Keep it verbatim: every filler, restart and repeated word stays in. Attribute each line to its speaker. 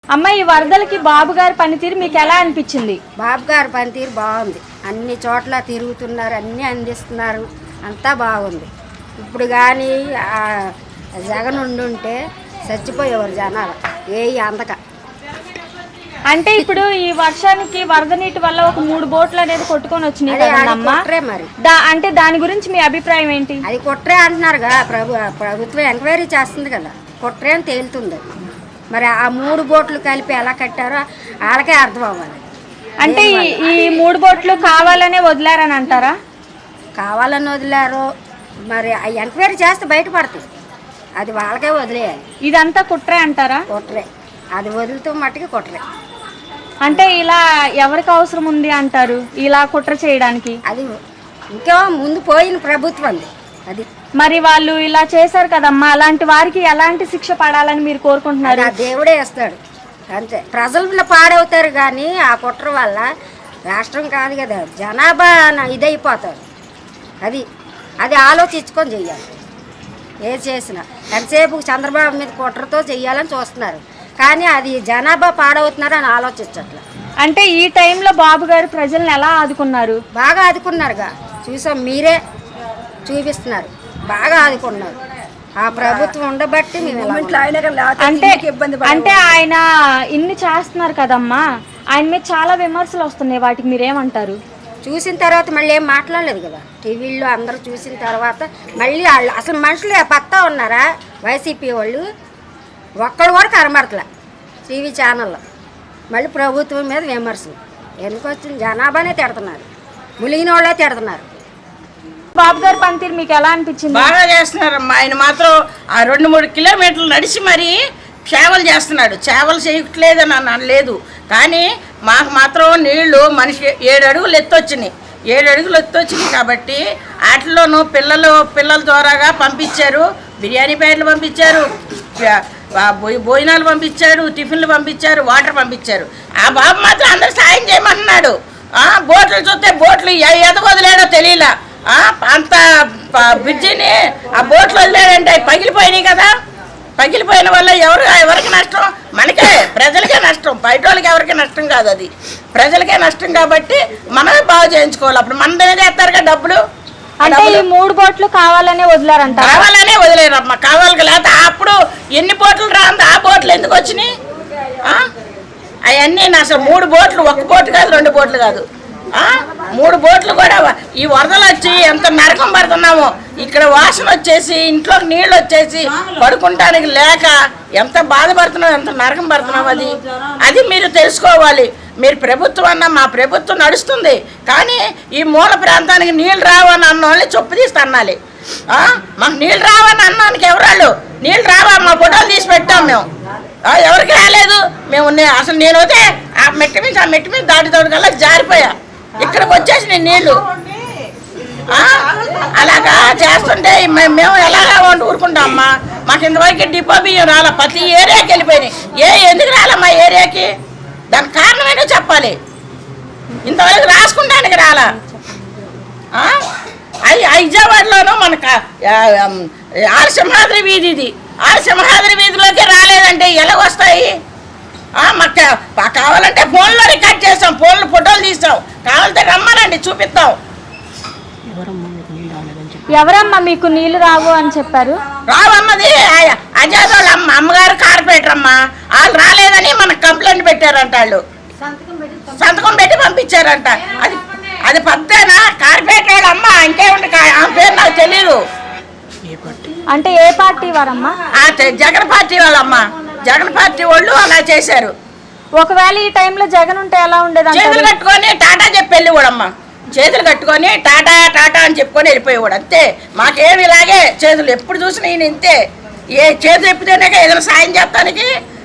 Speaker 1: అమ్మ ఈ వరదలకి బాబు గారి పనితీరు మీకు ఎలా అనిపించింది?
Speaker 2: బాబు గారి పనితీరు బాగుంది. అన్ని చోట్ల తిరుగుతున్నారు, అన్నీ అందిస్తున్నారు, అంతా బాగుంది. ఇప్పుడు కానీ జగన్ ఉండుంటే చచ్చిపోయేవారు జనాలు ఏ అందక.
Speaker 1: అంటే ఇప్పుడు ఈ వర్షానికి వరద నీటి వల్ల ఒక మూడు బోట్లు అనేది కొట్టుకొని వచ్చినాయి కదమ్మా,
Speaker 2: మరి
Speaker 1: అంటే దాని గురించి మీ అభిప్రాయం ఏంటి?
Speaker 2: అది కుట్రే అంటున్నారుగా, ప్రభు ప్రభుత్వం ఎంక్వైరీ చేస్తుంది కదా, కుట్రే అని తేలుతుంది. మరి ఆ మూడు బోట్లు కలిపి ఎలా కట్టారో వాళ్ళకే అర్థం అవ్వాలి.
Speaker 1: అంటే ఈ మూడు బోట్లు కావాలనే వదిలారని అంటారా?
Speaker 2: కావాలని వదిలారో మరి ఆ ఎంక్వైరీ చేస్తే బయటపడుతుంది, అది వాళ్ళకే వదిలేయాలి.
Speaker 1: ఇదంతా కుట్రే అంటారా?
Speaker 2: కుట్రే, అది వదులుతూ మట్టుకి కుట్రే.
Speaker 1: అంటే ఇలా ఎవరికి అవసరం ఉంది అంటారు ఇలా కుట్ర చేయడానికి?
Speaker 2: అది ఇంకా ముందు పోయిన ప్రభుత్వం అది.
Speaker 1: మరి వాళ్ళు ఇలా చేశారు కదమ్మా, అలాంటి వారికి ఎలాంటి శిక్ష పడాలని మీరు కోరుకుంటున్నారు?
Speaker 2: దేవుడే వేస్తాడు అంతే. ప్రజలు పాడవుతారు కానీ ఆ కుట్ర వల్ల రాష్ట్రం కాదు కదా, జనాభా ఇదైపోతారు. అది అది ఆలోచించుకొని చెయ్యాలి. ఏ చేసినా ఎంతసేపు చంద్రబాబు మీద కుట్రతో చెయ్యాలని చూస్తున్నారు, కానీ అది జనాభా పాడవుతున్నారు అని ఆలోచించట్లేదు.
Speaker 1: అంటే ఈ టైంలో బాబు గారు ప్రజల్ని ఎలా ఆదుకున్నారు?
Speaker 2: బాగా ఆదుకున్నారుగా, చూసాం, మీరే చూపిస్తున్నారు, బాగా ఆదుకున్నారు. ఆ ప్రభుత్వం ఉండబట్టి
Speaker 1: అంటే అంటే ఆయన ఇన్ని చేస్తున్నారు కదమ్మా, ఆయన మీద చాలా విమర్శలు వస్తున్నాయి, వాటికి మీరేమంటారు?
Speaker 2: చూసిన తర్వాత మళ్ళీ ఏం మాట్లాడలేదు కదా, టీవీల్లో అందరూ చూసిన తర్వాత మళ్ళీ వాళ్ళు అసలు మనుషులు పత్తా ఉన్నారా వైసీపీ వాళ్ళు? ఒక్కడు కూడా కనబడతలే టీవీ ఛానల్లో. మళ్ళీ ప్రభుత్వం మీద విమర్శలు ఎందుకు వచ్చింది? జనాభానే తిడుతున్నారు, ములిగిన వాళ్ళే తిడుతున్నారు.
Speaker 1: బాబు గారి పనితీరు మీకు ఎలా అనిపించింది?
Speaker 3: బాగా చేస్తున్నారమ్మా. ఆయన మాత్రం ఆ రెండు మూడు కిలోమీటర్లు నడిచి మరీ సేవలు చేస్తున్నాడు. సేవలు చేయట్లేదని అని లేదు, కానీ మాకు మాత్రం నీళ్లు మనిషి ఏడు అడుగులు ఎత్తొచ్చినాయి ఏడు అడుగులు ఎత్తొచ్చినాయి కాబట్టి వాటిలోనూ పిల్లలు పిల్లల ద్వారాగా పంపించారు. బిర్యానీ ప్యాకెట్లు పంపించారు, భోజనాలు పంపించారు, టిఫిన్లు పంపించారు, వాటర్ పంపించారు. ఆ బాబు మాత్రం అందరు సాయం చేయమన్నాడు. బోట్లు చూస్తే బోట్లు ఎద వదిలేడో తెలియలా, అంత బ్రిడ్జిని ఆ బోట్లు వదిలేడంటే పగిలిపోయినాయి కదా. పగిలిపోయిన వల్ల ఎవరు ఎవరికి నష్టం? మనకే, ప్రజలకే నష్టం, బయట వాళ్ళకి ఎవరికి నష్టం కాదు, అది ప్రజలకే నష్టం. కాబట్టి మనమే బాగు చేయించుకోవాలి. అప్పుడు మన దగ్గర చేస్తారుగా డబ్బులు.
Speaker 1: అంటే ఈ మూడు బోట్లు కావాలనే వదిలారంట?
Speaker 3: కావాలనే వదిలేరమ్మా, కావాలి. లేకపోతే అప్పుడు ఎన్ని బోట్లు రాంది, ఆ బోట్లు ఎందుకు వచ్చినాయి? అవన్నీ అసలు మూడు బోట్లు, ఒక్క బోటు కాదు, రెండు బోట్లు కాదు, మూడు బోట్లు కూడా. ఈ వరదలు వచ్చి ఎంత నరకం పడుతున్నామో, ఇక్కడ వాసన వచ్చేసి ఇంట్లోకి నీళ్ళు వచ్చేసి పడుకుంటానికి లేక ఎంత బాధపడుతున్నాం, ఎంత నరకం పడుతున్నాం. అది అది మీరు తెలుసుకోవాలి. మీరు ప్రభుత్వం అన్న, మా ప్రభుత్వం నడుస్తుంది, కానీ ఈ మూల ప్రాంతానికి నీళ్ళు రావని అన్న వాళ్ళని చొప్పు తీసి అన్నాలి. మాకు నీళ్ళు రావని అన్నానికి ఎవరాళ్ళు నీళ్ళు రావా, మా ఫోటోలు తీసి పెట్టాం మేము. ఎవరికి రాలేదు. మేము అసలు నేను అయితే ఆ మెట్టి మీద ఆ మెట్టి మీద దాటి తోడు కల్లా జారిపోయా, ఇక్కడికి వచ్చేసి నేను నీళ్ళు అలాగా చేస్తుంటే మేము ఎలాగా వండి ఊరుకుంటామమ్మా. మాకు ఇంతవరకు డిపో బియ్యం రాలా, ప్రతి ఏరియాకి వెళ్ళిపోయినాయి. ఏ ఎందుకు రాలమ్మా ఏరియాకి? దానికి కారణం ఏంటో చెప్పాలి. ఇంతవరకు రాసుకుంటానికి రాలా. అవి విజయవాడలోనూ మనకు ఆరసింహాద్రి వీధి, ఇది ఆరసింహాద్రి వీధిలోకి రాలేదంటే ఎలాగొస్తాయి? మాకు కావాలంటే ఫోన్లో రికార్డ్ చేస్తాం, ఫోన్లో ఫోటోలు తీస్తాం, కావాలంటే రమ్మనండి చూపిస్తాం.
Speaker 1: ఎవరమ్మా మీకు నీళ్లు రావు అని చెప్పారు?
Speaker 3: రావన్నది అజాద్ వాళ్ళ అమ్మ, అమ్మగారు కార్పొరేటర్ అమ్మ. వాళ్ళు రాలేదని మనకు కంప్లైంట్ పెట్టారంట, వాళ్ళు సంతకం పెట్టి పంపించారంట. అది అది పద్దేనా? కార్పొరేటర్ వాళ్ళ అమ్మ, ఇంకేముంది ఆ పేరు నాకు తెలియదు.
Speaker 1: అంటే ఏ పార్టీ వారమ్మా?
Speaker 3: జగన్ పార్టీ వాళ్ళమ్మ, జగన్ పార్టీ వాళ్ళు అలా చేశారు.
Speaker 1: ఒకవేళ ఈ టైంలో జగన్ ఉంటే ఎలా ఉండేది?
Speaker 3: చేతులు కట్టుకొని టాటా చెప్పి వెళ్ళి కూడమ్మా, చేతులు కట్టుకొని టాటా టాటా అని చెప్పుకొని వెళ్ళిపోయేవాడు అంతే. మాకేమి ఇలాగే చేతులు ఎప్పుడు చూసినా ఈయన ఇంతే. ఏ చేతులు ఎప్పితేనే ఏదైనా సాయం చేస్తానికి